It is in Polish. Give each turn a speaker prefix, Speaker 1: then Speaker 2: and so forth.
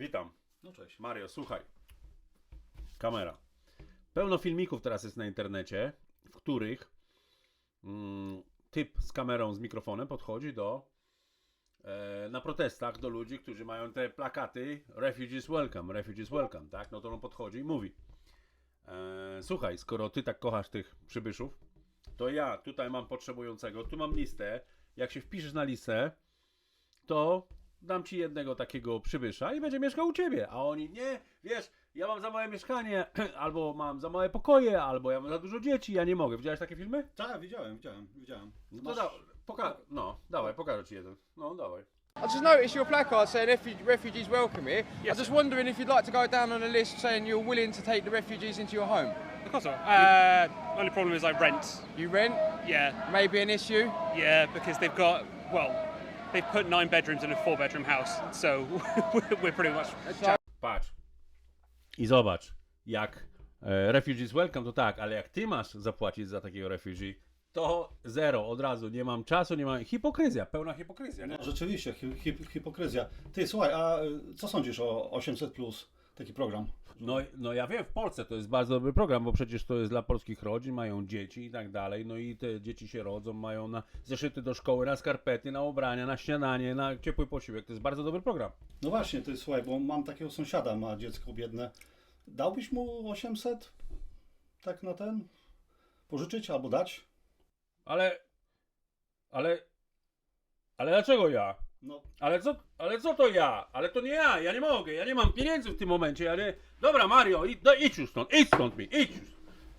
Speaker 1: Witam.
Speaker 2: No cześć.
Speaker 1: Mario, słuchaj. Kamera. Pełno filmików teraz jest na internecie, w których typ z kamerą, z mikrofonem podchodzi na protestach do ludzi, którzy mają te plakaty Refugees welcome, tak? No to on podchodzi i mówi: słuchaj, skoro ty tak kochasz tych przybyszów, to ja tutaj mam potrzebującego, tu mam listę, jak się wpiszesz na listę, to dam ci jednego takiego przybysza i będzie mieszkał u ciebie. A oni: nie, wiesz, ja mam za małe mieszkanie, albo mam za małe pokoje, albo ja mam za dużo dzieci, ja nie mogę. Widziałeś takie filmy?
Speaker 2: Tak, widziałem.
Speaker 1: No to dawaj, pokażę ci jeden. No, dawaj.
Speaker 3: I just noticed your placard saying refugees welcome here.
Speaker 4: Yes,
Speaker 3: I'm just wondering if you'd like to go down on a list saying you're willing to take the refugees into your home.
Speaker 4: Of course not. Only problem is I rent.
Speaker 3: You rent?
Speaker 4: Yeah,
Speaker 3: Maybe an issue?
Speaker 4: yeah, because they've put 9 bedrooms in a 4-bedroom house, so we're pretty much.
Speaker 1: Patrz. I zobacz, jak Refugees welcome to tak, ale jak ty masz zapłacić za takiego refugee, to zero, od razu, nie mam czasu, nie mam... Hipokryzja, pełna hipokryzja, nie?
Speaker 2: No, rzeczywiście, hipokryzja. Ty, słuchaj, a co sądzisz o 800+, taki program?
Speaker 1: No ja wiem, w Polsce to jest bardzo dobry program, bo przecież to jest dla polskich rodzin, mają dzieci i tak dalej, no i te dzieci się rodzą, mają na zeszyty do szkoły, na skarpety, na ubrania, na śniadanie, na ciepły posiłek, to jest bardzo dobry program.
Speaker 2: No właśnie, ty, słuchaj, bo mam takiego sąsiada, ma dziecko biedne. Dałbyś mu 800? Tak na ten? Pożyczyć albo dać?
Speaker 1: Ale dlaczego ja?
Speaker 2: No,
Speaker 1: Ale co to ja? Ale to nie ja nie mogę, ja nie mam pieniędzy w tym momencie, ale... Dobra, Mario, idź już stąd, idź stąd idź już.